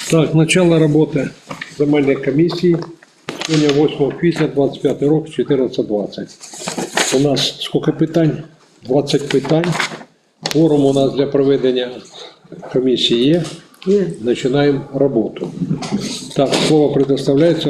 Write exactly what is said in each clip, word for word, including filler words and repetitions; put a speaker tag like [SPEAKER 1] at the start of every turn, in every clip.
[SPEAKER 1] Так, начало роботи земельної комісії. Сьогодні восьмого квітня двадцять п'ятий рік, чотирнадцять двадцять. У нас скільки питань? двадцять питань. Форум у нас для проведення комісії є.
[SPEAKER 2] Є.
[SPEAKER 1] Починаємо роботу. Так, слово предоставляється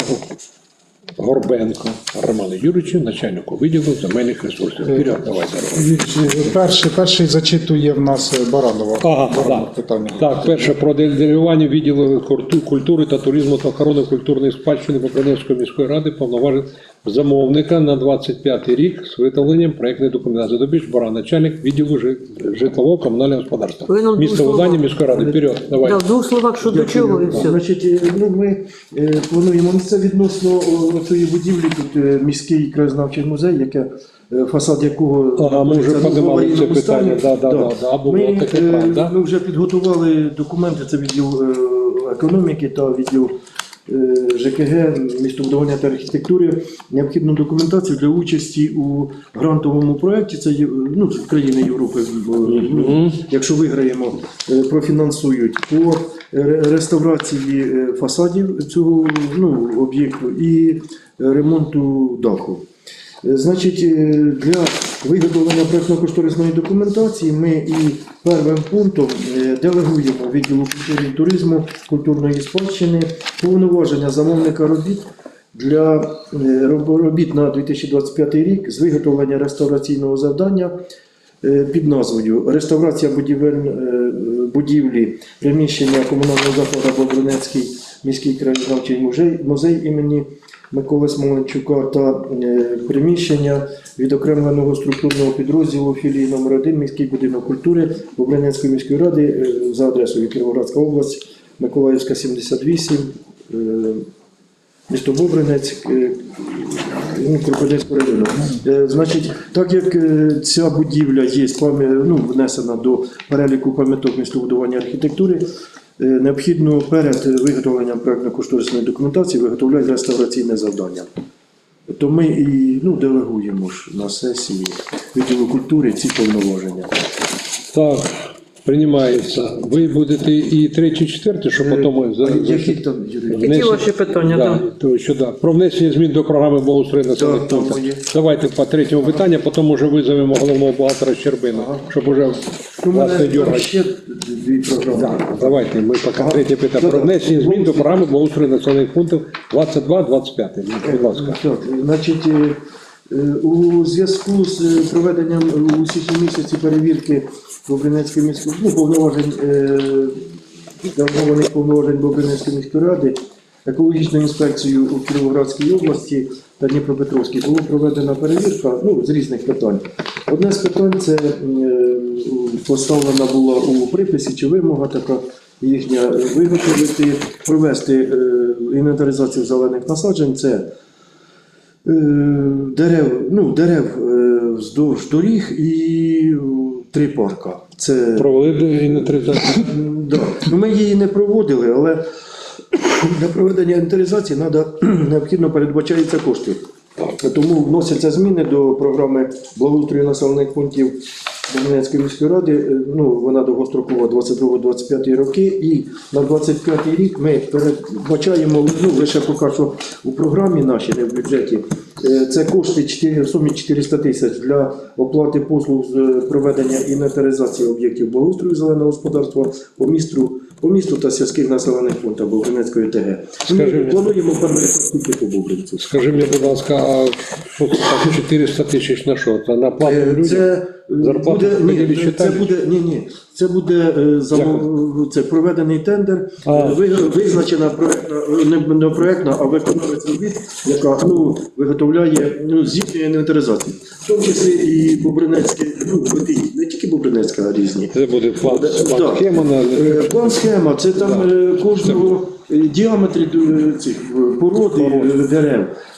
[SPEAKER 1] Горбенко Роману Юрійовичу, начальнику відділу земельних ресурсів. Вперед, давайте.
[SPEAKER 3] Перший, перший зачитує в нас Баранова.
[SPEAKER 1] Ага,
[SPEAKER 3] Баранова
[SPEAKER 1] так.
[SPEAKER 3] питання.
[SPEAKER 1] Так, перше, про делегування відділу культу- культури та туризму та охорони культурної спадщини Бобринецької міської ради повноважень замовника на двадцять п'ятий рік з виготовленням проєктної документації. Добіж Баран, начальник відділу жи- житлового комунального господарства.
[SPEAKER 2] Ви нам
[SPEAKER 1] Місто
[SPEAKER 2] двох
[SPEAKER 1] видання
[SPEAKER 2] словах.
[SPEAKER 1] міської ради. Вперед, давай.
[SPEAKER 2] Да, в двох словах, що до чого і все.
[SPEAKER 4] Значить, е, ну, ми е, плануємо ну, це відносно о, цієї будівлі, тут е, міський краєзнавчий музей, яке, е, фасад якого
[SPEAKER 1] Ага, ми вже
[SPEAKER 4] знаходиться, ну, в
[SPEAKER 1] подимали це
[SPEAKER 4] аварійному стані.
[SPEAKER 1] питання. Да, да, да, да, було
[SPEAKER 4] Ми,
[SPEAKER 1] таке,
[SPEAKER 4] е,
[SPEAKER 1] правда.
[SPEAKER 4] ми вже підготували документи, це відділ е, економіки та відділ е, ЖКГ, містобудування та архітектури, необхідну документацію для участі у грантовому проєкті, це є, ну, з країни Європи, бо, ну, якщо виграємо, е, профінансують по ре- реставрації е, фасадів цього ну, об'єкту і ремонту даху. Е, Значить, е, для виготовлення проєктно-кошторисної документації ми і першим пунктом е, делегуємо відділу культури і туризму, культурної спадщини повноваження замовника робіт для е, роб- робіт на дві тисячі двадцять п'ятий рік з виготовлення реставраційного завдання е, під назвою «Реставрація будівель, е, будівлі приміщення комунального закладу Бобринецький міський краєзнавчий музей, музей імені Миколи Смоленчука та е, приміщення відокремленого структурного підрозділу філії номер один міський будинок культури Бобринецької міської ради е, за адресою Кіровоградська область, Миколаївська, сімдесят вісім, е, місто Бобринець, е, ну, Кропивницького району. Е, Значить, так як е, ця будівля є пам'я- ну, внесена до переліку пам'яток містобудування архітектури, е, необхідно перед виготовленням проєктно-кошторисної документації виготовляти реставраційне завдання. То ми і ну, делегуємо ж на сесії відділу культури ці повноваження.
[SPEAKER 1] Так, приймається. Ви будете і третій, четвертий, що потім... за-
[SPEAKER 4] А які там, Юрій?
[SPEAKER 2] Які
[SPEAKER 1] внесення-
[SPEAKER 2] ваші питання?
[SPEAKER 1] Да,
[SPEAKER 2] Да.
[SPEAKER 1] то, що, да. Про внесення змін до програми благоустрою населених
[SPEAKER 4] Так, там
[SPEAKER 1] пунктів.
[SPEAKER 4] є.
[SPEAKER 1] Давайте по третьому питанню, потім вже визовемо головного бухгалтера Щербина, щоб уже
[SPEAKER 4] Ну, у
[SPEAKER 1] вас не
[SPEAKER 4] мене там
[SPEAKER 1] дергати.
[SPEAKER 4] ще дві програми.
[SPEAKER 1] Да, давайте, ми поки третє питання. Про
[SPEAKER 4] Так,
[SPEAKER 1] внесення
[SPEAKER 4] так.
[SPEAKER 1] змін до програми благоустрою населених пунктів двадцять два двадцять п'ять. Будь ласка.
[SPEAKER 4] Так, значить, е, е, у зв'язку з е, проведенням у січні місяці перевірки Бобринецької міської, ну, повноважень, е, делегованих повноважень Бобринецької міської ради, екологічною інспекцією у Кіровоградській області та Дніпропетровській було проведена перевірка ну, з різних питань. Одне з питань це е, поставлена була у приписі чи вимога така їхня виготовити, провести е, інвентаризацію зелених насаджень. Це е, дерев, ну, дерев е, вздовж доріг і е, три парка. Це
[SPEAKER 1] Провели інвентаризацію.
[SPEAKER 4] М, да. Ну, ми її не проводили, але для проведення інвентаризації надо, необхідно передбачаються кошти. Тому вносяться зміни до програми благоустрою населених пунктів Бобринецької міської ради. Е, Ну, вона довгострокова двадцять другий двадцять п'ятий роки. І на двадцять п'ятий рік ми передбачаємо, ну, лише поки що у програмі нашій, не в бюджеті, е, це кошти чотири в сумі чотириста тисяч для оплати послуг з е, проведення інвентаризації об'єктів благоустрою зеленого господарства по місту, по місту та сільських населених пунктах Бобринецької ТГ. Ми
[SPEAKER 1] Скажи мені.
[SPEAKER 4] плануємо перші по Бобринцю.
[SPEAKER 1] Скажи мені, будь ласка, а що це так чотириста тисяч на що? Це на плату
[SPEAKER 4] Е,
[SPEAKER 1] людям?
[SPEAKER 4] Це е,
[SPEAKER 1] Зарплату
[SPEAKER 4] буде,
[SPEAKER 1] поділі
[SPEAKER 4] ні, це
[SPEAKER 1] считаєш?
[SPEAKER 4] буде, ні, ні, це буде е, замов, це проведений тендер,
[SPEAKER 1] А.
[SPEAKER 4] е, ви- визначена проектна, не, не проектна, а виконавець робіт, яка ну, виготовляє ну, здійснює інвентаризацію. В тому числі і Бобринецьке, ну, не тільки Бобринецька, а різні.
[SPEAKER 1] Це буде план,
[SPEAKER 4] Так.
[SPEAKER 1] план схема на...
[SPEAKER 4] Е, План схема, це там е, кожного е, діаметри е, цих е, породи е, дерев.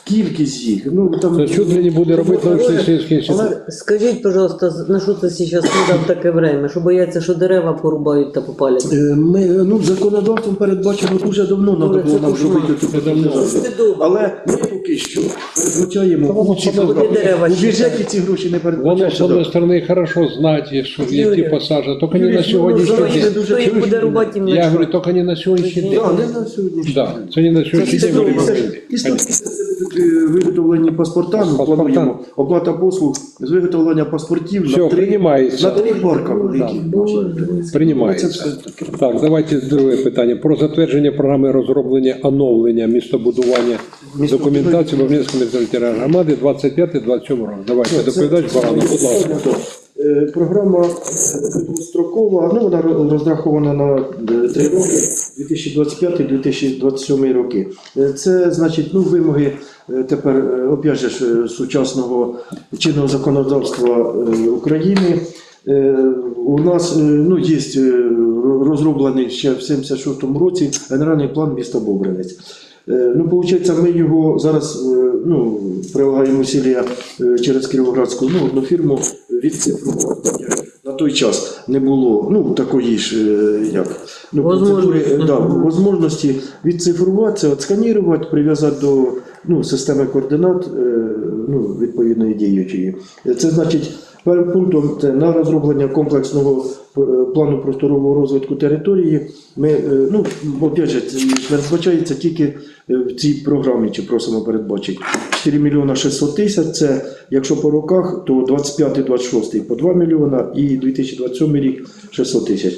[SPEAKER 4] кількість їх. Ну, там,
[SPEAKER 1] Це чуть ли не буде робити научно-исследовательский інститут.
[SPEAKER 4] Але
[SPEAKER 2] Скажіть, пожалуйста, на що це зараз надав таке время? Що бояться, що дерева порубають та попалять?
[SPEAKER 4] е, ми, ну, законодавством передбачено дуже давно треба
[SPEAKER 2] Добре,
[SPEAKER 4] було
[SPEAKER 2] це
[SPEAKER 4] нам
[SPEAKER 2] кошмар.
[SPEAKER 4] зробити цю приватизацію.
[SPEAKER 2] Це добре.
[SPEAKER 4] Але ми поки що передбачаємо у ці
[SPEAKER 2] воно
[SPEAKER 4] програми.
[SPEAKER 2] дерева
[SPEAKER 4] У
[SPEAKER 2] ще
[SPEAKER 4] бюджеті ці гроші не
[SPEAKER 1] Воно, з
[SPEAKER 4] передбачаються.
[SPEAKER 1] одної сторони, хорошо знати, що
[SPEAKER 2] Юрій,
[SPEAKER 1] які посаджені, тільки не
[SPEAKER 4] Юрій,
[SPEAKER 1] на
[SPEAKER 4] ну,
[SPEAKER 1] сьогоднішній
[SPEAKER 4] зараз
[SPEAKER 1] день.
[SPEAKER 4] це дуже
[SPEAKER 2] Хто їх буде рубати їм
[SPEAKER 1] Я
[SPEAKER 2] на
[SPEAKER 1] говорю, тільки не на сьогоднішній день.
[SPEAKER 4] Да, не на сьогоднішній
[SPEAKER 1] Да,
[SPEAKER 4] день.
[SPEAKER 1] це не на
[SPEAKER 4] Це
[SPEAKER 1] сьогоднішній
[SPEAKER 4] сто
[SPEAKER 1] день.
[SPEAKER 4] тисяч, і сто тисяч це будуть е, виготовлені паспорта, ми
[SPEAKER 1] Паспорта.
[SPEAKER 4] плануємо оплата послуг з виготовлення паспортів
[SPEAKER 1] Все,
[SPEAKER 4] на три,
[SPEAKER 1] приймається.
[SPEAKER 4] на три парка великі.
[SPEAKER 1] Приймається.
[SPEAKER 4] Це все таке.
[SPEAKER 1] Так, давайте друге питання. Про затвердження програми розроблення оновлення містобудування документації Бобринської територіальної громади двадцять п'ятий двадцять сьомий років. Давайте, доповідач Баранов, будь ласка.
[SPEAKER 4] Е, Програма е, двострокова, ну вона ро- розрахована на е, три роки, дві тисячі двадцять п'ятий - дві тисячі двадцять сьомий роки. Е, Це значить, ну, вимоги е, тепер, е, опять же, ж, е, сучасного чинного законодавства е, України. Е, У нас е, ну, є е, розроблений ще в сімдесят шостому році генеральний план міста Бобринець. Е, Ну, виходить, ми його зараз е, ну, прилагаємо усилля е, через Кіровоградську ну, одну фірму відцифрувати. На той час не було ну, такої ж е, як, ну, процедури, е, да, можливості відцифрувати, отсканірувати, прив'язати до ну, системи координат е, ну, відповідної діючої. Це значить, першим пунктом це на розроблення комплексного е, плану просторового розвитку території. Ми, е, ну, опять же, це передбачається тільки е, в цій програмі, чи просимо передбачити. чотири мільйона шістсот тисяч, це якщо по роках, то двадцять п'ятий - двадцять шостий по два мільйона і дві тисячі двадцять сьомий рік шістсот тисяч.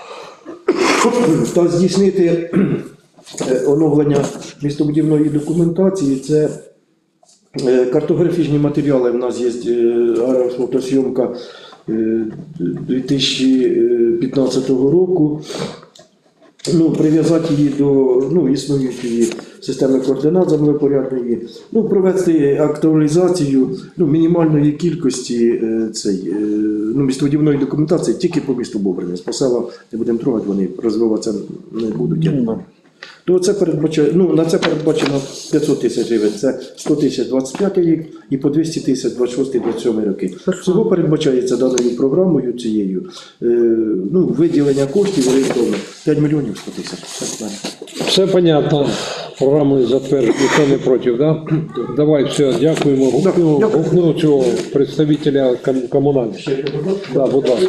[SPEAKER 4] Та здійснити е, оновлення містобудівної документації, це Е, картографічні матеріали. В нас є е, аерофотосйомка е, дві тисячі п'ятнадцятого року. Ну, прив'язати її до ну, існуючої системи координат землепорядної, ну, провести актуалізацію ну, мінімальної кількості е, цей, е, ну, містобудівної документації тільки по місту Бобринець. По селам не будемо трогати, вони розвиватися не будуть. То це передбачає, ну, на це передбачено п'ятсот тисяч гривень, це сто тисяч двадцять п'ятий рік і по двісті тисяч двадцять шостий - двадцять сьомий роки. Всього передбачається даною програмою цією е, ну, виділення коштів орієнтовно п'ять мільйонів сто тисяч. Все правильно.
[SPEAKER 1] Все понятно. Програму затверджено, ніхто не проти, да? Давай, все, дякуємо. Гукну,
[SPEAKER 4] Дякую.
[SPEAKER 1] гукну цього представителя ком- комунальних. Да, будь ласка.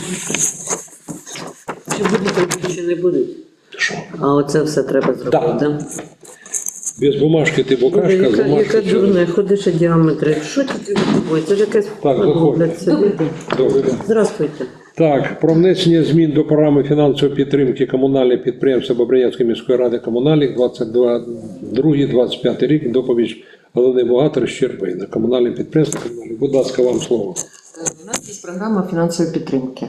[SPEAKER 2] Чи будуть, чи не будуть? А оце все треба зробити,
[SPEAKER 1] Да.
[SPEAKER 2] да?
[SPEAKER 1] Без бумажки ти
[SPEAKER 2] Боже,
[SPEAKER 1] букашка, з
[SPEAKER 2] яка,
[SPEAKER 1] бумажки.
[SPEAKER 2] яка дурне, ходиш діаметри. Що ти робиш? Це ж якесь
[SPEAKER 1] Так,
[SPEAKER 2] роблять собі.
[SPEAKER 1] Добре.
[SPEAKER 2] Здравствуйте.
[SPEAKER 1] Так, про внесення змін до програми фінансової підтримки комунальних підприємств Бобринецької міської ради комунальних двадцять другий - двадцять п'ятий рік. Доповідь головний бухгалтер Щербина. Комунальне підприємство. комунальне. Будь ласка, вам слово.
[SPEAKER 5] У нас є програма фінансової підтримки.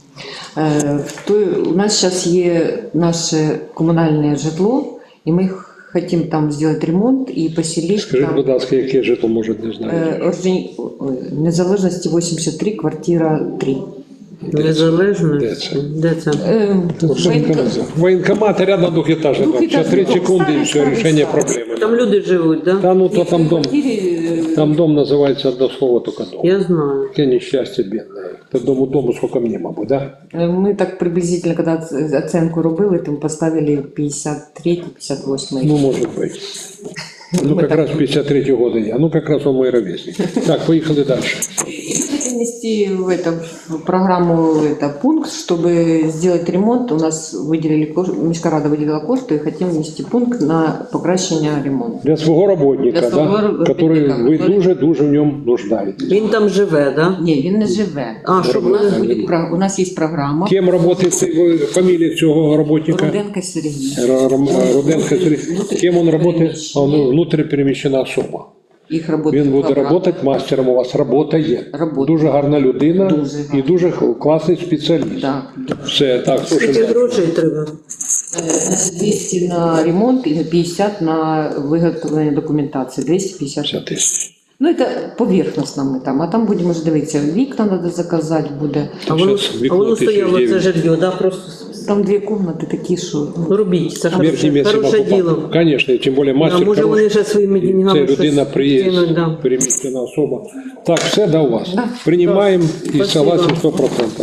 [SPEAKER 5] Е, в той- У нас зараз є наше комунальне житло, і ми хочемо там зробити ремонт і поселити
[SPEAKER 1] Скажіть,
[SPEAKER 5] там
[SPEAKER 1] будь ласка, яке житло, може, не знаю.
[SPEAKER 5] е, Орджоні- ой, Незалежності вісімдесят три, квартира три.
[SPEAKER 2] Незалежно.
[SPEAKER 1] Де це?
[SPEAKER 2] Де це?
[SPEAKER 5] Е, воєнка-
[SPEAKER 1] Воєнкомат рядом двухэтажный дом. Сейчас
[SPEAKER 5] Двухэтажный
[SPEAKER 1] три
[SPEAKER 5] дом.
[SPEAKER 1] секунды и все,
[SPEAKER 5] Старый,
[SPEAKER 1] решение
[SPEAKER 5] старый.
[SPEAKER 1] проблемы.
[SPEAKER 2] Там люди живуть, да?
[SPEAKER 1] Да ну то там дом,
[SPEAKER 5] квартирі, е,
[SPEAKER 1] там дом называется одно слово только дом.
[SPEAKER 2] Я знаю.
[SPEAKER 1] Какое несчастье бедное. Это дому дому сколько мне могу, да?
[SPEAKER 5] е, Ми так приблизительно, коли оц- оценку робили, там поставили п'ятдесят третій - п'ятдесят восьмий.
[SPEAKER 1] Ну, может быть. Ну, как раз пятьдесят третьего года я. Ну, как раз он мой ровесник. Так, поехали дальше.
[SPEAKER 5] Хотим внести в, это, в программу это, пункт, чтобы сделать ремонт. У нас выделили, кош- Міськрада выделила кошти и хотим внести пункт на покращення ремонту.
[SPEAKER 1] Для своего работника,
[SPEAKER 5] Для свого
[SPEAKER 1] да?
[SPEAKER 5] работника,
[SPEAKER 1] Который вы
[SPEAKER 5] который-
[SPEAKER 1] дуже-дуже в нем нуждаетесь.
[SPEAKER 2] Він там живе, да?
[SPEAKER 5] Ні, він не живе.
[SPEAKER 2] А, щоб
[SPEAKER 5] у, нас
[SPEAKER 2] не-
[SPEAKER 5] буде, про- у нас є програма
[SPEAKER 1] Кем работает вы- фамилия цього работника?
[SPEAKER 5] Руденко Сергій.
[SPEAKER 1] Р- Р- Руденко Сергей. Кем он работает? Он внутріпереміщена особа.
[SPEAKER 5] Їх робота
[SPEAKER 1] Він буде
[SPEAKER 5] програма.
[SPEAKER 1] працювати мастером, у вас робота є.
[SPEAKER 5] Робота.
[SPEAKER 1] Дуже гарна людина
[SPEAKER 5] Дуже
[SPEAKER 1] і
[SPEAKER 5] гарна.
[SPEAKER 1] дуже класний спеціаліст.
[SPEAKER 5] Да.
[SPEAKER 1] Все, так,
[SPEAKER 2] Скільки
[SPEAKER 1] слушай.
[SPEAKER 2] грошей треба?
[SPEAKER 5] Е, значить, двісті на ремонт і п'ятдесят на виготовлення документації. двісті п'ятдесят.
[SPEAKER 1] п'ятдесят тисяч.
[SPEAKER 5] Ну, це поверхностно ми там, а там будемо вже дивитися. Вікна треба заказати буде.
[SPEAKER 2] А воно,
[SPEAKER 1] Щас
[SPEAKER 2] а
[SPEAKER 1] вікно
[SPEAKER 2] воно стояло це
[SPEAKER 1] тисяча дев'ять.
[SPEAKER 2] жилье, да? Просто
[SPEAKER 5] там дві кімнати такі, що ну,
[SPEAKER 2] Робіть, це
[SPEAKER 1] Верхнє
[SPEAKER 2] хороше,
[SPEAKER 1] місце
[SPEAKER 2] хороше
[SPEAKER 1] покупав.
[SPEAKER 2] діло.
[SPEAKER 1] Звісно, тим більше
[SPEAKER 2] А
[SPEAKER 1] мастер.
[SPEAKER 2] може
[SPEAKER 1] хороший.
[SPEAKER 2] вони ще своїми
[SPEAKER 1] Це
[SPEAKER 2] деньгами
[SPEAKER 1] людина
[SPEAKER 2] щось
[SPEAKER 1] приїзд,
[SPEAKER 2] кинуть, да.
[SPEAKER 1] переміщена особа. Так, все да у вас.
[SPEAKER 5] Да.
[SPEAKER 1] Приймаємо і
[SPEAKER 2] Спасибо.
[SPEAKER 1] согласен сто процентів.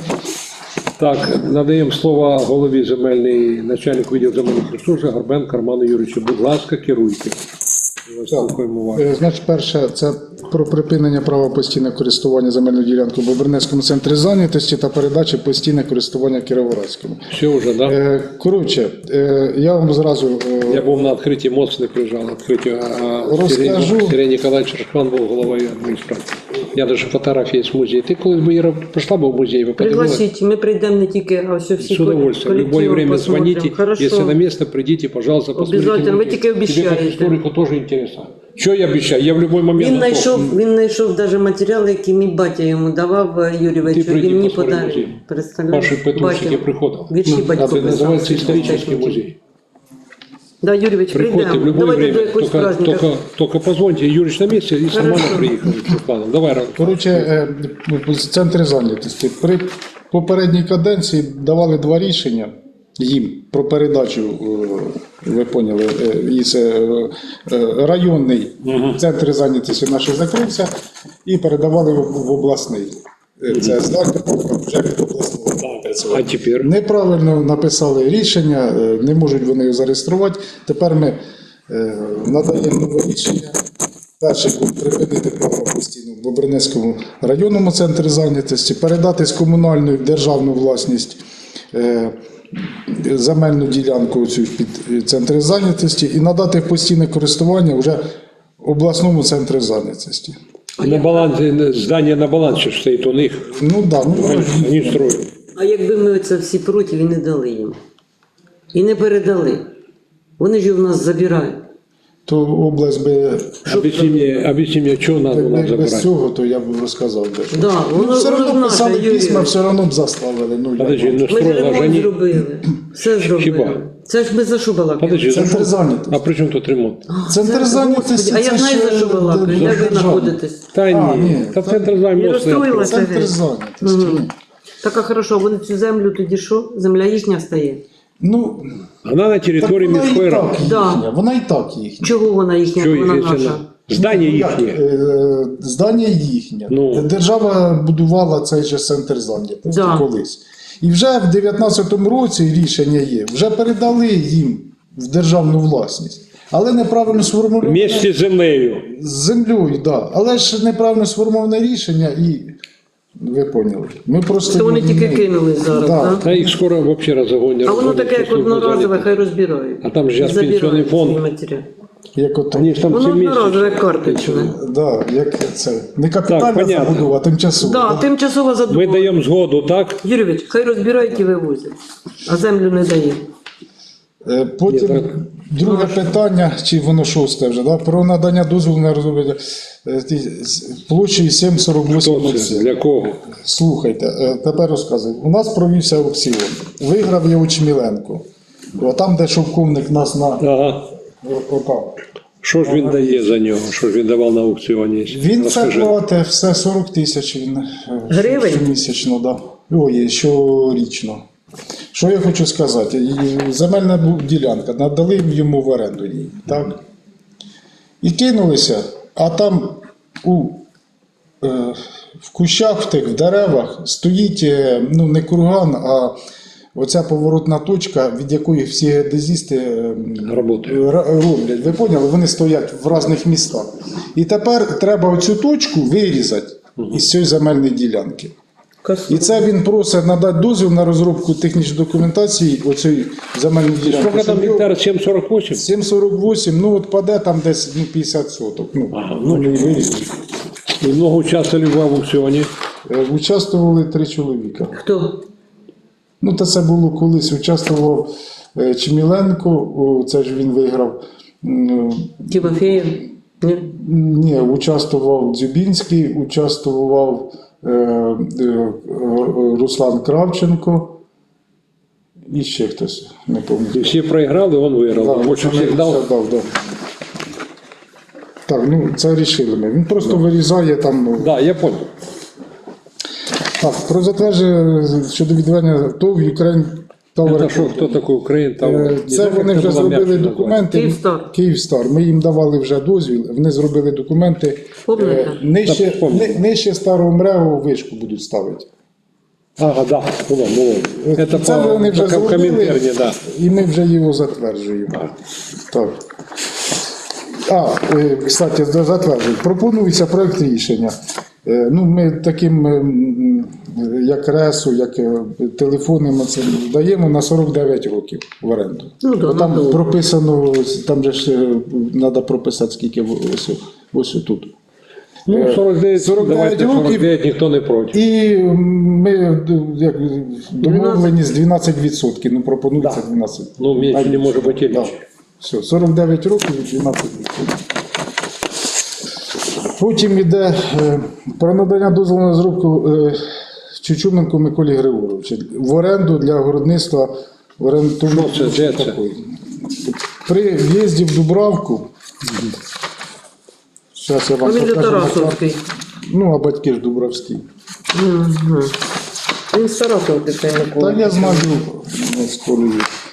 [SPEAKER 1] Так, надаємо слово голові земельної, начальнику відділу земельних ресурсів Горбенко Роману Юрійовичу. Будь ласка, керуйте. Ми вас слухаємо вас.
[SPEAKER 3] Е, Значить, перше, це про припинення права постійного користування земельною ділянкою в Бобринецькому центрі зайнятості та передачі постійне користування Кіровоградському.
[SPEAKER 1] Все вже, да?
[SPEAKER 3] Е, Коротше, е, я вам зразу е,
[SPEAKER 1] Я був на відкритті, мост не приїжджав, відкритті, а
[SPEAKER 3] Розкажу.
[SPEAKER 1] Сергій, Сергій Ніколаєвич Рахман був головою адміністрації. Я навіть фотографії з музею. Ти колись би Іра, прийшла б в музей, ви подивилися?
[SPEAKER 2] Пригласіть, ми прийдемо не тільки, а все всі
[SPEAKER 1] С удовольствием. В любое
[SPEAKER 2] колективом
[SPEAKER 1] время
[SPEAKER 2] посмотрим.
[SPEAKER 1] звоните.
[SPEAKER 2] Хорошо.
[SPEAKER 1] Если на место, придите, пожалуйста, посмотрите.
[SPEAKER 2] Обязательно. Вы
[SPEAKER 1] музей.
[SPEAKER 2] только обещаете.
[SPEAKER 1] Тебе как историку тоже интересно. Что я обещаю? Я в любой момент
[SPEAKER 2] Він
[SPEAKER 1] готов.
[SPEAKER 2] знайшов, він знайшов навіть матеріали, які мій батя йому давав е, Юрійовичу,
[SPEAKER 1] Ти прийди,
[SPEAKER 2] він мені
[SPEAKER 1] посмотри
[SPEAKER 2] подарив.
[SPEAKER 1] музей.
[SPEAKER 2] Представляєш?
[SPEAKER 1] Ваши петрушки
[SPEAKER 2] Батя.
[SPEAKER 1] приходили.
[SPEAKER 2] Вірші
[SPEAKER 1] Ну,
[SPEAKER 2] батько
[SPEAKER 1] это
[SPEAKER 2] писав.
[SPEAKER 1] называется исторический музей.
[SPEAKER 2] Да, Юрійович,
[SPEAKER 1] Приходите в
[SPEAKER 2] прийдемо.
[SPEAKER 1] любое
[SPEAKER 2] Давайте до
[SPEAKER 1] время.
[SPEAKER 2] якогось
[SPEAKER 1] Только,
[SPEAKER 2] праздника.
[SPEAKER 1] только, только позвоните. Юрич на месте и сама
[SPEAKER 2] Хорошо.
[SPEAKER 1] приехал. Планом. Давай, Ром.
[SPEAKER 3] Коротше, е, в центрі зайнятості. При попередній каденції давали два рішення їм про передачу, е, ви поняли, е, із е, е, районний центр зайнятості наш закрився і передавали в, в обласний. Е, Це здання вже від обласного.
[SPEAKER 1] А теперь?
[SPEAKER 3] Неправильно написали рішення, е, не можуть вони його зареєструвати. Тепер ми е, надаємо нове рішення. Перше припинити право постійно в Бобринецькому районному центрі зайнятості, передати з комунальної в державну власність е, земельну ділянку цю під центр зайнятості і надати в постійне користування вже обласному центрі зайнятості.
[SPEAKER 1] На балансе, здание на балансе стоит у них.
[SPEAKER 3] Ну да, ну
[SPEAKER 1] Они строят.
[SPEAKER 2] А якби ми це всі проти і не дали їм. І не передали. Вони ж його в нас забирають.
[SPEAKER 3] то область би
[SPEAKER 1] Объясни мне, объясни мне, что надо у нас
[SPEAKER 3] якби без
[SPEAKER 1] забирать?
[SPEAKER 3] цього, то я б розказав дещо.
[SPEAKER 2] Да, воно,
[SPEAKER 3] Ну, все
[SPEAKER 2] воно
[SPEAKER 3] одно
[SPEAKER 2] наше,
[SPEAKER 3] писали
[SPEAKER 2] Юрій.
[SPEAKER 3] письма, все одно б заставили. Ну,
[SPEAKER 1] Подожди,
[SPEAKER 3] як?
[SPEAKER 1] ну
[SPEAKER 2] Ми ж
[SPEAKER 1] строила же
[SPEAKER 2] ремонт
[SPEAKER 1] они...
[SPEAKER 2] зробили. Все зробили.
[SPEAKER 1] Хіба?
[SPEAKER 2] Це ж ми за що балакаємо?
[SPEAKER 1] Подожди, за
[SPEAKER 3] Центр
[SPEAKER 1] что?
[SPEAKER 3] зайнятості.
[SPEAKER 1] А при чем тут ремонт?
[SPEAKER 3] Центр
[SPEAKER 2] Це-
[SPEAKER 3] зайнятості
[SPEAKER 2] Господи, а я
[SPEAKER 3] це
[SPEAKER 2] знаю,
[SPEAKER 3] ж,
[SPEAKER 2] за що балакаю.
[SPEAKER 3] е,
[SPEAKER 2] Де ви
[SPEAKER 3] державне.
[SPEAKER 2] знаходитесь?
[SPEAKER 1] Та
[SPEAKER 3] А,
[SPEAKER 1] ні,
[SPEAKER 3] ні,
[SPEAKER 1] та
[SPEAKER 3] та-
[SPEAKER 1] центр
[SPEAKER 2] Я
[SPEAKER 1] займає.
[SPEAKER 2] розстроїлася.
[SPEAKER 3] Центр
[SPEAKER 2] геть.
[SPEAKER 3] зайнятості.
[SPEAKER 2] Мгм. Так, а хорошо, вони цю землю тоді що? Земля їхня стає?
[SPEAKER 3] Ну,
[SPEAKER 1] Вона на
[SPEAKER 3] так
[SPEAKER 1] території
[SPEAKER 3] вона
[SPEAKER 1] міської
[SPEAKER 3] і
[SPEAKER 1] ради.
[SPEAKER 3] так
[SPEAKER 2] Да.
[SPEAKER 3] їхня, вона і так їхня.
[SPEAKER 2] Чого вона їхня,
[SPEAKER 1] Що
[SPEAKER 2] вона
[SPEAKER 1] їх, якщо
[SPEAKER 2] наша?
[SPEAKER 1] на- Здання
[SPEAKER 3] Як,
[SPEAKER 1] їхнє.
[SPEAKER 3] е, Здання їхнє.
[SPEAKER 1] Ну.
[SPEAKER 3] Держава будувала цей же центр зайнятості
[SPEAKER 2] Да.
[SPEAKER 3] колись. І вже в дев'ятнадцятому році рішення є, вже передали їм в державну власність. Але неправильно сформульоване
[SPEAKER 1] Вместе з землею.
[SPEAKER 3] з землею, да. Але ж неправильно сформоване рішення і ви поняли. Ми просто
[SPEAKER 2] Це вони
[SPEAKER 3] його
[SPEAKER 2] тільки
[SPEAKER 3] не-
[SPEAKER 2] кинули зараз,
[SPEAKER 3] Да.
[SPEAKER 2] так?
[SPEAKER 1] Та їх скоро взагалі розгонять.
[SPEAKER 2] А воно таке, як одноразове, хай розбирають.
[SPEAKER 1] А там же зараз
[SPEAKER 2] Забирають
[SPEAKER 1] пенсійний фонд.
[SPEAKER 2] свої матеріали.
[SPEAKER 3] Як ото.
[SPEAKER 1] Вони ж там
[SPEAKER 2] Воно
[SPEAKER 1] всі місяці.
[SPEAKER 2] одноразове, карточне.
[SPEAKER 3] Да, як це. Не
[SPEAKER 1] Так,
[SPEAKER 3] капітальна
[SPEAKER 1] понятно.
[SPEAKER 3] забудова, а тимчасова.
[SPEAKER 2] Да, тимчасова
[SPEAKER 1] Ми
[SPEAKER 2] задумка.
[SPEAKER 1] даємо згоду, так?
[SPEAKER 2] Юрійович, хай розбирають і вивозять, а землю не дає.
[SPEAKER 3] Е, Потім
[SPEAKER 1] Ні, так.
[SPEAKER 3] друге питання, чи воно шосте вже, да? Про надання дозволу на розроблення е, ті- з- площею сім сорок вісім.
[SPEAKER 1] Хто це? Для кого?
[SPEAKER 3] Слухайте, е, тепер розказую. У нас провівся аукціон. Виграв його Чміленко. О, там, де шовковник нас на
[SPEAKER 1] Ага.
[SPEAKER 3] руках.
[SPEAKER 1] Що ж він дає за нього? Що ж він давав на аукціоні?
[SPEAKER 3] Він це
[SPEAKER 1] Розкажи.
[SPEAKER 3] платить все сорок тисяч він е,
[SPEAKER 2] Гривень?
[SPEAKER 3] щомісячно, да. Ой, щорічно. Що я хочу сказати? І Земельна бу- ділянка, надали йому в оренду її, так? І кинулися, а там у, е, в кущах, в тих в деревах стоїть е, ну, не курган, а оця поворотна точка, від якої всі геодезісти е,
[SPEAKER 1] Работає.
[SPEAKER 3] р- роблять. Ви поняли? Вони стоять в різних містах. І тепер треба оцю точку вирізати із цієї земельної ділянки. І це він просить надати дозвіл на розробку технічної документації оцієї земельної ділянки.
[SPEAKER 1] Сколько там
[SPEAKER 3] Щоб його-
[SPEAKER 1] гектар? сім сорок вісім?
[SPEAKER 3] сім сорок вісім, ну от паде там десь ну, п'ятдесят соток. Ну,
[SPEAKER 1] Ага, ну,
[SPEAKER 3] вони вирізали.
[SPEAKER 1] І много участвовали в аукціоні.
[SPEAKER 3] Е, Участвували три чоловіка.
[SPEAKER 2] Хто?
[SPEAKER 3] Ну, та це було колись. Участвував е, Чміленко, о, це ж він виграв. М,
[SPEAKER 2] Тимофеєв? Ні?
[SPEAKER 3] Ні, участвував Дзюбінський, участвував е, е, Руслан Кравченко і ще хтось, не
[SPEAKER 1] І
[SPEAKER 3] пам'ятаю.
[SPEAKER 1] всі проіграли, він виграв.
[SPEAKER 3] Так,
[SPEAKER 1] Більше
[SPEAKER 3] це
[SPEAKER 1] всіх дав.
[SPEAKER 3] все дав, да. Так, ну це рішили ми. Він просто вирізає там. ну,
[SPEAKER 1] Да, я понял.
[SPEAKER 3] Так, про затвердження щодо відведення ТОВ Ukraine
[SPEAKER 1] Це що, хто такий Україн? Там,
[SPEAKER 3] Е, Це вони вже зробили документи.
[SPEAKER 2] Київстар.
[SPEAKER 3] Київстар. Ми їм давали вже дозвіл, вони зробили документи.
[SPEAKER 2] Помните?
[SPEAKER 3] Е, Нижче,
[SPEAKER 1] Так, пам'ятаю.
[SPEAKER 3] ни- нижче старого МРЕО вишку будуть ставити.
[SPEAKER 1] Ага, да, було, було.
[SPEAKER 3] Це
[SPEAKER 1] Це по
[SPEAKER 3] вони вже
[SPEAKER 1] в
[SPEAKER 3] зробили,
[SPEAKER 1] Комінтерні, да.
[SPEAKER 3] і ми вже його затверджуємо. Так. А, е, кстати, затверджують. Пропонується проект рішення. Е, Ну, ми таким, е, м, як ресу, як е, телефони, ми це даємо на сорок дев'ять років в оренду.
[SPEAKER 2] Ну, да,
[SPEAKER 3] Бо там
[SPEAKER 2] надовго.
[SPEAKER 3] прописано, там же ж треба прописати, скільки в- ось, ось тут.
[SPEAKER 1] Ну, сорок дев'ять,
[SPEAKER 3] сорок дев'ять
[SPEAKER 1] давайте
[SPEAKER 3] років.
[SPEAKER 1] сорок дев'ять, ніхто не проти.
[SPEAKER 3] І ми як, домовлені з дванадцять відсотків, ну пропонується дванадцять.
[SPEAKER 1] Ну, менше не може бути
[SPEAKER 3] Да.
[SPEAKER 1] річ.
[SPEAKER 3] Все, сорок дев'ять років і дванадцять відсотків. Потім йде е, про надання дозволу на зробку е, Чучуменку Миколі Григоровичу в оренду для городництва в оренду.
[SPEAKER 1] Що це, де це?
[SPEAKER 3] При в'їзді в Дубравку. Зараз я вам
[SPEAKER 2] Фамілія
[SPEAKER 3] покажу на карті.
[SPEAKER 2] Тарасовський.
[SPEAKER 3] Ну, а батьки ж Дубравські.
[SPEAKER 2] Угу. Він з Тарасовки цей Микола.
[SPEAKER 3] Та я знаю ну, з колею.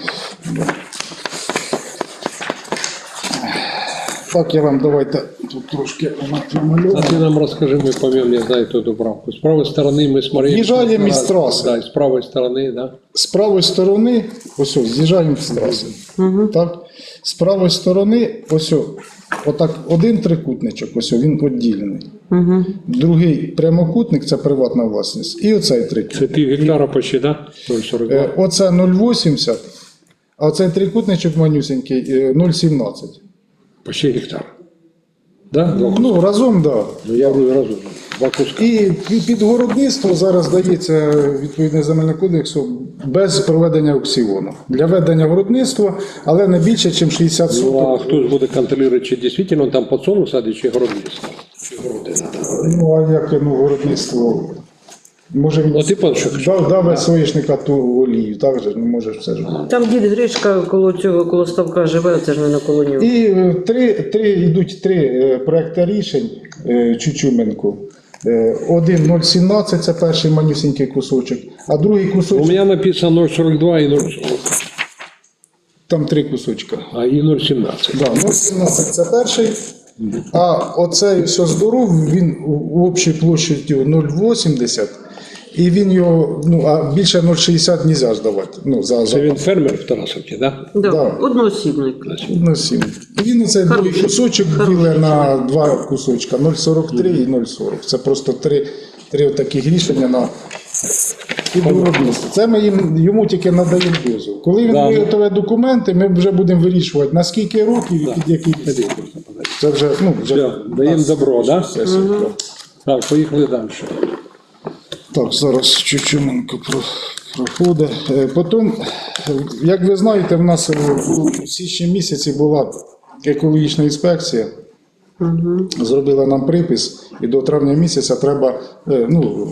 [SPEAKER 3] Так, я вам давайте тут трошки
[SPEAKER 1] А
[SPEAKER 3] намалюю.
[SPEAKER 1] ти нам розкажи, ми пам'ятаємо, я знаю ту Дубравку. З правої сторони ми смотрели.
[SPEAKER 3] В'їжджаємо із траси.
[SPEAKER 1] Да, з правої сторони, да.
[SPEAKER 3] З правої сторони, ось ось, з'їжджаємо з траси. Так? З правої сторони, ось ось, отак один трикутничок, ось ось, він відділений.
[SPEAKER 2] Угу.
[SPEAKER 3] Другий прямокутник це приватна власність. І оцей трикутник.
[SPEAKER 1] Це пів гектара почти, да? нуль сорок два.
[SPEAKER 3] Е, Оце нуль вісімдесят, а оцей трикутничок манюсенький е, нуль сімнадцять.
[SPEAKER 1] Почти гектар. Да? Два.
[SPEAKER 3] Ну, разом, так. Да.
[SPEAKER 1] Ну, я говорю разом. Два куска.
[SPEAKER 3] І під- під городництво зараз дається відповідне земельне кодексу без проведення аукціону. Для ведення городництва, але не більше, ніж шістдесят
[SPEAKER 1] Ну, а
[SPEAKER 3] соток.
[SPEAKER 1] хто ж буде контролювати, чи дійсно там подсолнух садить, чи городництво? Чи городи надо?
[SPEAKER 3] Ну, а як ну, городництво? Може він
[SPEAKER 1] Ну, ти пан, що хочеш?
[SPEAKER 3] дав, дав соняшника ту олію, так же, ну може все ж.
[SPEAKER 2] Там дід Гришка коло цього, коло ставка живе, це ж не на коло нього.
[SPEAKER 3] І е, три, три, йдуть три е, проекти рішень е, Чучуменку. Е, Один нуль сімнадцять, це перший манюсінький кусочок, а другий
[SPEAKER 1] У
[SPEAKER 3] кусочок,
[SPEAKER 1] мене написано нуль сорок два і нуль сорок,
[SPEAKER 3] там три кусочка.
[SPEAKER 1] а і нуль сімнадцять.
[SPEAKER 3] Да, нуль сімнадцять це перший, а оцей все здоров, він у- у общій площадю нуль вісімдесят, і він його, ну, а більше нуль шістдесят не можна здавати. Ну, за,
[SPEAKER 1] Це
[SPEAKER 3] за,
[SPEAKER 1] він фермер в Тарасовці, да?
[SPEAKER 2] Да.
[SPEAKER 3] да.
[SPEAKER 2] Одноосібник.
[SPEAKER 3] ну, сім. І він оцей другий кусочок ділить на два кусочка, нуль сорок три і нуль сорок. Це просто три, три таких рішення на підвиробництво. Це ми їм, йому тільки надаємо дозвіл. Коли він
[SPEAKER 1] Да.
[SPEAKER 3] виготовить документи, ми вже будемо вирішувати, на скільки років і під який
[SPEAKER 1] Ходи,
[SPEAKER 3] підхід.
[SPEAKER 1] просто подай.
[SPEAKER 3] Це вже, ну, вже
[SPEAKER 1] Все, даємо добро, да?
[SPEAKER 3] сесія, так?
[SPEAKER 1] Так, поїхали далі.
[SPEAKER 3] Так, зараз Чучуменко про- проходить. Е, Потім, е, як ви знаєте, в нас е, у січні місяці була екологічна інспекція. Зробила нам припис, і до травня місяця треба е, ну,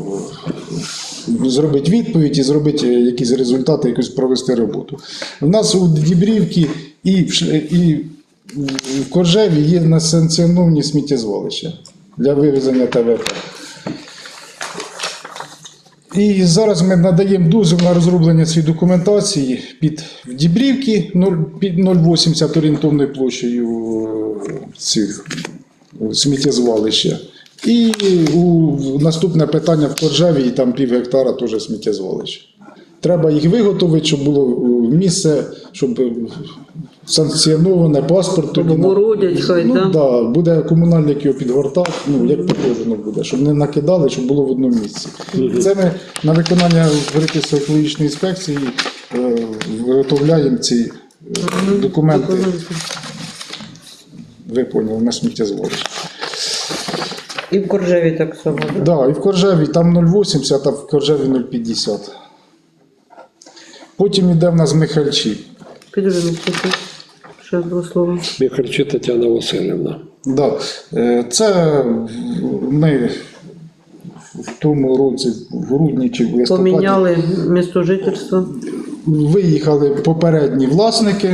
[SPEAKER 3] зробити відповідь і зробити якісь результати, якусь провести роботу. У нас у Дібрівці і в, Ш- і в Коржеві є несанкціоновані сміттєзвалища для вивезення ТВП. І зараз ми надаємо дозвіл на розроблення цієї документації під в Дібрівці нуль під нуль вісімдесят орієнтовною площею е, цих е, сміттєзвалища. І у наступне питання в Коржеві, і там пів гектара теж сміттєзвалище. Треба їх виготовити, щоб було е, місце, щоб е, санкціоноване паспорт. тоді на-
[SPEAKER 2] Обгородять хай,
[SPEAKER 3] ну,
[SPEAKER 2] да?
[SPEAKER 3] да, буде комунальник його підгортав, ну як положено буде, щоб не накидали, щоб було в одному місці. Це ми на виконання припису екологічної інспекції е, виготовляємо ці е, документи. Ви поняли, на сміттєзвалище.
[SPEAKER 2] І в Коржеві так само. Да?
[SPEAKER 3] Так, да, і в Коржеві там нуль вісімдесят, а в Коржеві нуль п'ятдесят. Потім йде в нас Михальчі.
[SPEAKER 2] Підожди, наступне. Ще два слова.
[SPEAKER 1] Михальчі Тетяна Васильівна.
[SPEAKER 3] Да. е, Це ми в тому році, в грудні чи в листопаді,
[SPEAKER 2] Поміняли місто жительства.
[SPEAKER 3] виїхали попередні власники.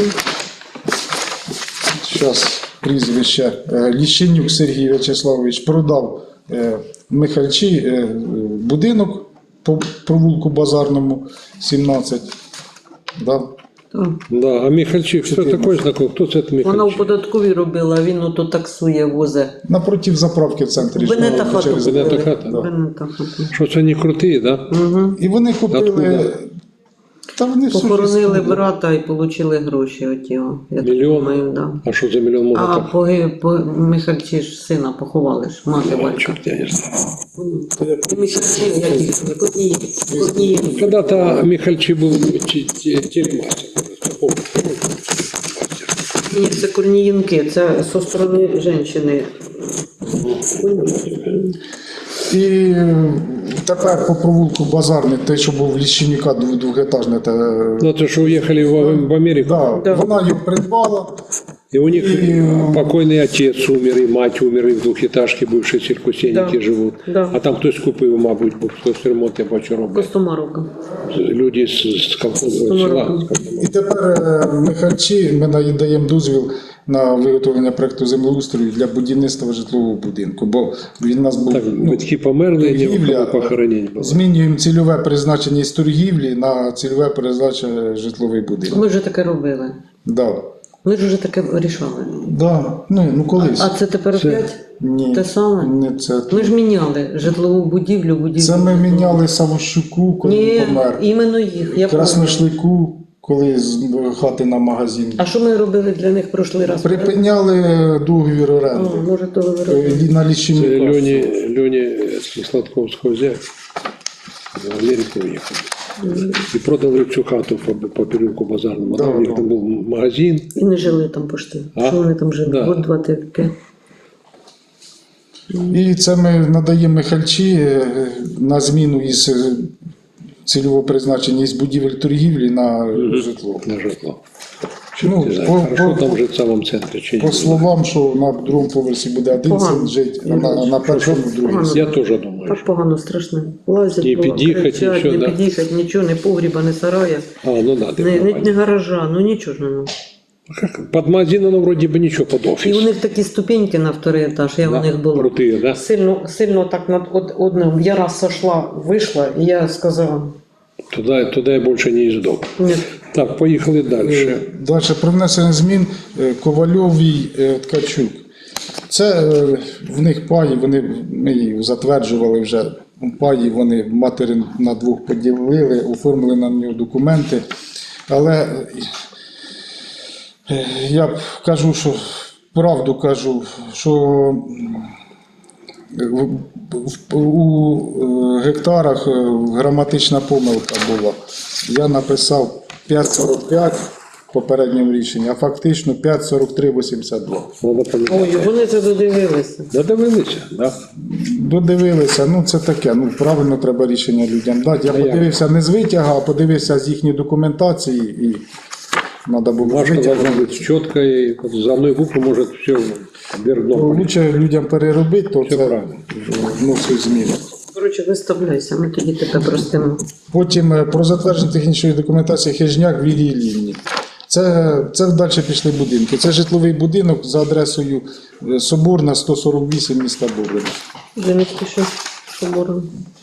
[SPEAKER 3] Зараз прізвище. Е, Ліщенюк Сергій В'ячеславович продав е, Михальчі е, будинок по провулку Базарному, сімнадцять. Да.
[SPEAKER 2] Так.
[SPEAKER 1] Да, а Михальчик, хто такий знакомий? Хто це Михальчик?
[SPEAKER 2] Вона в податковій робила, а він ото таксує, возе.
[SPEAKER 3] Напротив заправки в центрі.
[SPEAKER 2] Бенета
[SPEAKER 3] ж,
[SPEAKER 2] хату
[SPEAKER 3] через-
[SPEAKER 1] Бенета
[SPEAKER 2] купили.
[SPEAKER 1] хата?
[SPEAKER 3] Да.
[SPEAKER 2] Бенета хату.
[SPEAKER 1] Що це не круті, да?
[SPEAKER 2] Угу.
[SPEAKER 3] І вони купили.
[SPEAKER 1] Откуда?
[SPEAKER 3] Та вони всю
[SPEAKER 2] Похоронили
[SPEAKER 3] жизнь-
[SPEAKER 2] брата і отримали гроші от його. Я так
[SPEAKER 1] Мільйон?
[SPEAKER 2] думаю, да.
[SPEAKER 1] А що за мільйон може
[SPEAKER 2] А
[SPEAKER 1] так?
[SPEAKER 2] по, по Михальчі ж сина поховали ж, мати батька.
[SPEAKER 1] Чорт, я не знаю.
[SPEAKER 2] І Михальчі, як їх, Котні, Котні.
[SPEAKER 1] Когда-то Михальчик был телемастер.
[SPEAKER 2] Ні, це корнієнки, це зі сторони жінки.
[SPEAKER 3] І е, тепер по провулку Базарний, те, що був в Ліщенюка дв- двохетажне, те,
[SPEAKER 1] Ну, то, что уехали в, в Америку,
[SPEAKER 3] да,
[SPEAKER 2] Да.
[SPEAKER 3] вона його придбала.
[SPEAKER 1] и у них
[SPEAKER 3] И-
[SPEAKER 1] покойный отец умер, и мать умер, и в двухэтажке бывшие сельхозтехники
[SPEAKER 2] Да.
[SPEAKER 1] живут.
[SPEAKER 2] Да.
[SPEAKER 1] А там хтось купив, мабуть, бо хтось ремонт я бачу робить.
[SPEAKER 2] Костомаровка.
[SPEAKER 1] Люди з, з колхозного села. з Костомарова.
[SPEAKER 3] І тепер е, Михальчі, ми надаємо дозвіл на виготовлення проекту землеустрою для будівництва житлового будинку, бо він у нас був
[SPEAKER 1] Так,
[SPEAKER 3] ну,
[SPEAKER 1] батьки померли, і
[SPEAKER 3] торгівля,
[SPEAKER 1] ніхто похоронень було.
[SPEAKER 3] змінюємо цільове призначення із торгівлі на цільове призначення житловий будинок.
[SPEAKER 2] Ми вже таке робили.
[SPEAKER 3] Да.
[SPEAKER 2] Ми ж вже таке вирішали.
[SPEAKER 3] Да. Ну, ну колись.
[SPEAKER 2] А це тепер опять
[SPEAKER 3] Ні,
[SPEAKER 2] те саме?
[SPEAKER 3] не це.
[SPEAKER 2] Ми ж міняли житлову будівлю, будівлю.
[SPEAKER 3] Це ми міняли Савощуку, коли
[SPEAKER 2] Ні,
[SPEAKER 3] він помер.
[SPEAKER 2] іменно їх. Я пам'ятаю.
[SPEAKER 3] Красношлику, коли з хати на магазин.
[SPEAKER 2] А що ми робили для них прошлий раз?
[SPEAKER 3] Припиняли договір оренди.
[SPEAKER 2] О, може, то ви
[SPEAKER 3] Е,
[SPEAKER 2] робили.
[SPEAKER 3] На
[SPEAKER 1] Це
[SPEAKER 3] Ліщенюка.
[SPEAKER 1] Льоні, Льоні з Сладковського взяв, в Америку уїхав. І продали цю хату по, по переулку Базарному.
[SPEAKER 3] Да,
[SPEAKER 1] Там у них
[SPEAKER 3] да.
[SPEAKER 1] там був магазин.
[SPEAKER 2] І не жили там пошти.
[SPEAKER 1] А?
[SPEAKER 2] Що вони там жили?
[SPEAKER 1] Да.
[SPEAKER 2] От два, три, п'ять.
[SPEAKER 3] І це ми надаємо Михальчі е, на зміну із е, цільового призначення із будівель торгівлі на житло.
[SPEAKER 1] На житло.
[SPEAKER 3] Ну,
[SPEAKER 1] Не знаю,
[SPEAKER 3] по,
[SPEAKER 1] хорошо
[SPEAKER 3] по,
[SPEAKER 1] там жити в самому центрі чи
[SPEAKER 3] по
[SPEAKER 1] ні.
[SPEAKER 3] словам, що на другому поверсі буде один
[SPEAKER 2] Погано.
[SPEAKER 3] син жити, а на, на першому другий.
[SPEAKER 2] Погано.
[SPEAKER 1] Я теж думаю.
[SPEAKER 2] Так погано, страшно. Лазять,
[SPEAKER 1] Не
[SPEAKER 2] по-
[SPEAKER 1] під'їхать,
[SPEAKER 2] кричать,
[SPEAKER 1] нічого,
[SPEAKER 2] не
[SPEAKER 1] да.
[SPEAKER 2] під'їхати, нічого, не погріба, не сарая,
[SPEAKER 1] А, ну да,
[SPEAKER 2] не, не,
[SPEAKER 1] не,
[SPEAKER 2] не гаража, ну нічого ж не.
[SPEAKER 1] Как, под магазином ну, вроде бы ничего, под
[SPEAKER 2] І
[SPEAKER 1] офис.
[SPEAKER 2] у них такі ступеньки на второй етаж, я
[SPEAKER 1] Да,
[SPEAKER 2] у них була.
[SPEAKER 1] крутые, да?
[SPEAKER 2] Сильно, сильно так над од- одним. Я раз сошла, вийшла, і я сказала,
[SPEAKER 1] Туда, туда я больше не издал.
[SPEAKER 2] ні,
[SPEAKER 1] Так, поехали дальше.
[SPEAKER 3] Далі про внесення змін е, Ковальовій е, Ткачук. Це е, в них паї, вони ми їх затверджували вже. Паї вони матері на двох поділили, оформили на нього документи. Але е, я б кажу, що правду кажу, що в- в- у е, гектарах е, граматична помилка була. Я написав п'ять сорок п'ять в попередньому рішенні, а фактично п'ять сорок три вісімдесят два.
[SPEAKER 1] Надо поменять.
[SPEAKER 2] ой, вони це додивилися.
[SPEAKER 1] Додивилися, да?
[SPEAKER 3] Додивилися, ну це таке, ну правильно треба рішення людям дати. Я
[SPEAKER 1] А як?
[SPEAKER 3] подивився не з витяга, а подивився з їхньої документації і треба було з
[SPEAKER 1] Бумажка
[SPEAKER 3] витягу.
[SPEAKER 1] должна быть четкая, и вот за одной буквы может все вверх
[SPEAKER 3] Ну,
[SPEAKER 1] дном.
[SPEAKER 3] лучше людям переробити, то
[SPEAKER 1] Все
[SPEAKER 3] це
[SPEAKER 1] правильно.
[SPEAKER 3] вносить зміни.
[SPEAKER 2] Коротше, виставляйся, ми тоді тебе простимо.
[SPEAKER 3] Потім е, про затвердження технічної документації Хижняк Вілії Лівні. Це, це далі пішли будинки. Це житловий будинок за адресою е, Соборна, сто сорок вісім, міста Бобрина.
[SPEAKER 2] Вже не спіши, собором.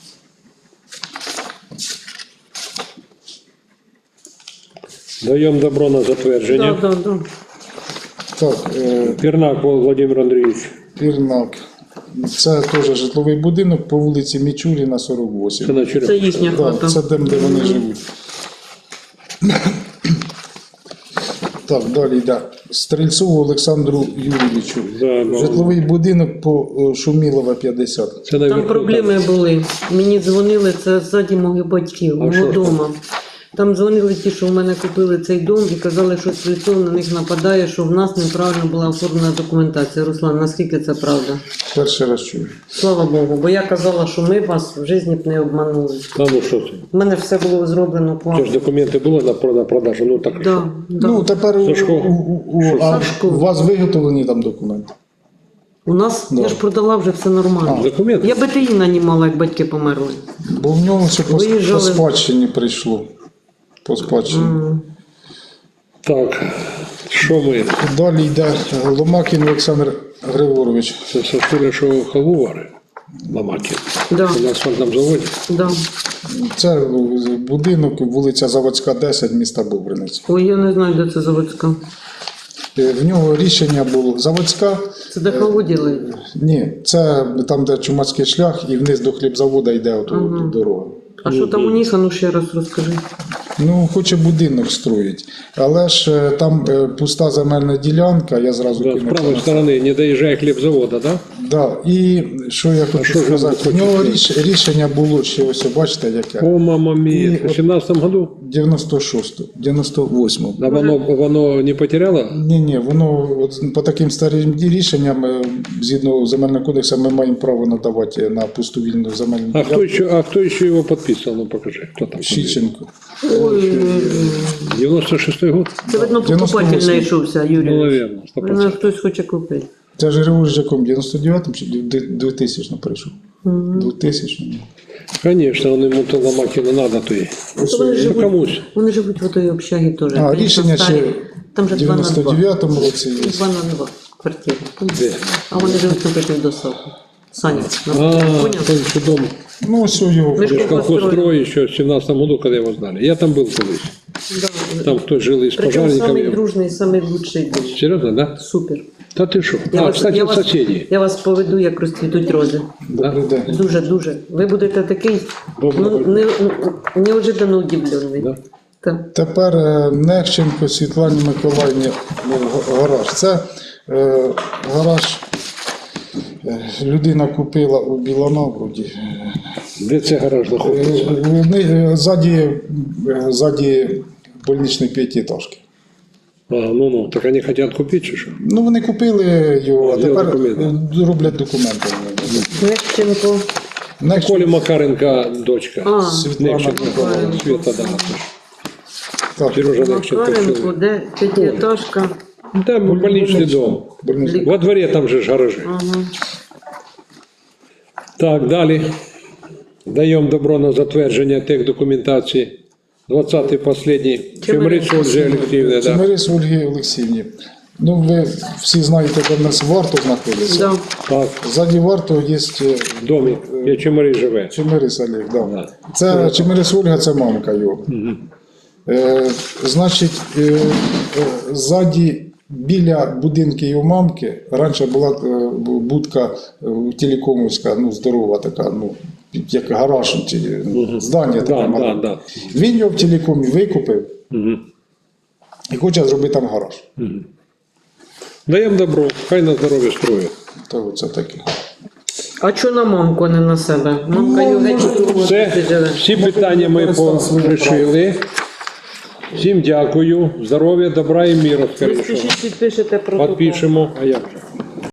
[SPEAKER 1] Даем добро на
[SPEAKER 2] Так,
[SPEAKER 1] затверджение.
[SPEAKER 2] так, так.
[SPEAKER 3] Так, е,
[SPEAKER 1] Пернак Владимир Андреевич.
[SPEAKER 3] Пірнак. Це теж житловий будинок по вулиці Мічуріна, сорок вісім.
[SPEAKER 1] Це на череп.
[SPEAKER 2] Це їхня
[SPEAKER 3] Да,
[SPEAKER 2] хата.
[SPEAKER 3] це там, де вони живуть. Так, далі йде. Стрельцову Олександру Юрійовичу.
[SPEAKER 1] Да, да.
[SPEAKER 3] Житловий будинок по е, Шумілова, п'ятдесят.
[SPEAKER 1] Це
[SPEAKER 2] Там
[SPEAKER 1] наверху,
[SPEAKER 2] проблеми були. Мені дзвонили, це ззаді моїх батьків,
[SPEAKER 1] А що ж
[SPEAKER 2] вдома. Там дзвонили ті, що в мене купили цей дом і казали, що Стрільцов на них нападає, що в нас неправильно була оформлена документація. Руслан, наскільки це правда?
[SPEAKER 3] Перший раз чую.
[SPEAKER 2] Слава Богу, бо я казала, що ми вас в житті б не обманули.
[SPEAKER 1] Та ну що це?
[SPEAKER 2] У мене все було зроблено
[SPEAKER 1] Це
[SPEAKER 2] плавно.
[SPEAKER 1] ж документи були на прода- продажу, ну так.
[SPEAKER 2] Да, да.
[SPEAKER 3] Ну, тепер у,
[SPEAKER 1] Сашко.
[SPEAKER 3] у, у, у, а
[SPEAKER 2] Сашко.
[SPEAKER 3] у вас виготовлені там документи?
[SPEAKER 2] У нас,
[SPEAKER 3] Да.
[SPEAKER 2] я ж продала вже все нормально.
[SPEAKER 1] Документи?
[SPEAKER 2] Я БТІ нанімала, як батьки померли.
[SPEAKER 3] Бо в нього все по, по
[SPEAKER 2] Виїжджали.
[SPEAKER 3] спадщині прийшло. По спадщині.
[SPEAKER 1] Так, що ми?
[SPEAKER 3] Далі йде Ломакін Олександр Григорович.
[SPEAKER 1] Це Сашуля, що халву варить? Ломакин.
[SPEAKER 2] Да.
[SPEAKER 1] На асфальтном заводе.
[SPEAKER 2] Да.
[SPEAKER 3] Це будинок, вулиця Заводська, десять, міста Бобринець.
[SPEAKER 2] Ой, я не знаю, де це заводська.
[SPEAKER 3] Е, В нього рішення було Заводська.
[SPEAKER 2] Це де кого ділають?
[SPEAKER 3] Ні, це там, де Чумацький шлях, і вниз до хлібзавода йде ото
[SPEAKER 2] Ага.
[SPEAKER 3] дорога.
[SPEAKER 2] А що там у них? А ну ще раз розкажи.
[SPEAKER 3] Ну, хоче будинок строїть, але ж е, там е, пуста земельна ділянка, я зразу
[SPEAKER 1] Да, с
[SPEAKER 3] кинув.
[SPEAKER 1] правой стороны, не доезжая хлебзавода, да?
[SPEAKER 3] Да, і що я хочу
[SPEAKER 1] що ж
[SPEAKER 3] сказати,
[SPEAKER 1] ви
[SPEAKER 3] в нього
[SPEAKER 1] хочете?
[SPEAKER 3] ріш, рішення було ще ось, бачите, яке?
[SPEAKER 1] О, мама мия.
[SPEAKER 3] И
[SPEAKER 1] В семнадцатом году?
[SPEAKER 3] дев'яносто шостому, дев'яносто восьмому.
[SPEAKER 1] Да воно, воно не потеряло?
[SPEAKER 3] Ні, ні, воно от, по таким старим рішенням, е, згідно земельного кодексу, ми маємо право надавати на пусту вільну земельну
[SPEAKER 1] А кто
[SPEAKER 3] ділянку.
[SPEAKER 1] еще, а кто еще его подписывал? Ну покажи, кто там.
[SPEAKER 3] Щіченко.
[SPEAKER 2] Ой,
[SPEAKER 1] девяносто шестой год?
[SPEAKER 2] це видно
[SPEAKER 3] дев'яносто
[SPEAKER 2] покупатель
[SPEAKER 3] восьмий.
[SPEAKER 2] знайшовся,
[SPEAKER 1] Ну,
[SPEAKER 2] Юрій.
[SPEAKER 1] наверное, сто
[SPEAKER 2] Видно,
[SPEAKER 1] процентов.
[SPEAKER 2] хтось хоче купити.
[SPEAKER 3] Це ж Григорій Жаком, дев'яносто дев'ятому чи двохтисячному прийшов? двохтисячному.
[SPEAKER 1] Конечно, он ему то Ломакина надо, то и.
[SPEAKER 3] Ось,
[SPEAKER 2] Вони
[SPEAKER 3] е,
[SPEAKER 1] Ну,
[SPEAKER 2] живуть,
[SPEAKER 1] комусь.
[SPEAKER 2] вони живуть в отої общагі теж.
[SPEAKER 3] А,
[SPEAKER 2] Конечно,
[SPEAKER 3] рішення
[SPEAKER 2] старі.
[SPEAKER 3] ще
[SPEAKER 2] Там же
[SPEAKER 3] в
[SPEAKER 2] два на
[SPEAKER 3] дев'яносто
[SPEAKER 2] два.
[SPEAKER 3] дев'ятому році є.
[SPEAKER 2] Два на два квартири.
[SPEAKER 1] Де?
[SPEAKER 2] А вони живуть напротив досоку. Саня,
[SPEAKER 1] А,
[SPEAKER 2] понял?
[SPEAKER 1] он еще дом.
[SPEAKER 3] Ну, ось його.
[SPEAKER 2] Ми ж
[SPEAKER 1] Лишь колхозстрой еще в семнадцатом году, когда его знали. Я там был колись.
[SPEAKER 2] Да.
[SPEAKER 1] Там кто жил из
[SPEAKER 2] Причому самий
[SPEAKER 1] пожарников.
[SPEAKER 2] дружний, самий лучший був.
[SPEAKER 1] Серьезно, да?
[SPEAKER 2] Супер.
[SPEAKER 1] Да ты что?
[SPEAKER 2] Я
[SPEAKER 1] А,
[SPEAKER 2] вас,
[SPEAKER 1] кстати,
[SPEAKER 2] я, вас,
[SPEAKER 1] соседи.
[SPEAKER 2] я вас поведу, як розцвітуть рози.
[SPEAKER 3] Добрий день.
[SPEAKER 2] Дуже, дуже. Ви будете такий
[SPEAKER 1] Добре.
[SPEAKER 2] ну, не, неожиданно удивлений.
[SPEAKER 1] Да?
[SPEAKER 2] Так.
[SPEAKER 3] Тепер е, Нехченко Світлані Миколаївні ну, га- гараж. Це е, гараж е, людина купила у Білонавроді.
[SPEAKER 1] Де це гараж
[SPEAKER 3] Е,
[SPEAKER 1] знаходиться?
[SPEAKER 3] вони, е, Ззаді, е, ззаді больничної п'ятиэтажки.
[SPEAKER 1] А, ну, ну, так они хотят купить, чи що?
[SPEAKER 3] Ну, вони купили його, а
[SPEAKER 1] Його
[SPEAKER 3] тепер
[SPEAKER 1] документи.
[SPEAKER 3] е, роблять документи.
[SPEAKER 2] Нехченко.
[SPEAKER 3] Нехченко,
[SPEAKER 1] Коля Макаренко, дочка.
[SPEAKER 2] А,
[SPEAKER 3] Світлана
[SPEAKER 1] Нехченко,
[SPEAKER 3] Миколаївна.
[SPEAKER 1] Света, да.
[SPEAKER 3] Так,
[SPEAKER 1] Сережа Нехченко.
[SPEAKER 2] Макаренко,
[SPEAKER 1] чоловік.
[SPEAKER 2] де п'ятиэтажка.
[SPEAKER 1] Там больничный дом.
[SPEAKER 3] больничний.
[SPEAKER 1] Во дворе там же ж гаражи.
[SPEAKER 2] Ага.
[SPEAKER 1] Так, далі. Даємо добро на затвердження техдокументації. двадцятий последній. Чемериць Ольги Олексіївни, да.
[SPEAKER 3] Чемерис Ольги Олексіївні. Ну, ви всі знаєте, де в нас варто знаходиться.
[SPEAKER 2] Да.
[SPEAKER 1] Так,
[SPEAKER 3] Ззаді варто є е,
[SPEAKER 1] в домі, де Чемерич живе.
[SPEAKER 3] Чемерис Олег, да.
[SPEAKER 1] Да.
[SPEAKER 3] Це Чемерис Ольга, це мамка його. Е, значить, е, е, ззаді біля будинки його мамки раніше була е, будка е, телекомовська, ну, здорова така, ну, як гараж, чи, ну, здання таке.
[SPEAKER 1] Да, да,
[SPEAKER 3] маленьке.
[SPEAKER 1] да.
[SPEAKER 3] Він його в телекомі викупив
[SPEAKER 1] Мгм.
[SPEAKER 3] і хоче зробити там гараж.
[SPEAKER 1] Даємо добро, хай на здоров'я строїть.
[SPEAKER 3] То оце таке.
[SPEAKER 2] А чого на мамку, а не на себе? Мамка його геть у другому
[SPEAKER 1] Все,
[SPEAKER 2] місці живе.
[SPEAKER 1] всі питання ми порішили. Всім дякую. Здоров'я, добра і міру.
[SPEAKER 2] Ви
[SPEAKER 1] скоріше.
[SPEAKER 2] спішіть підпишете протокол.
[SPEAKER 1] Підпишемо. А як?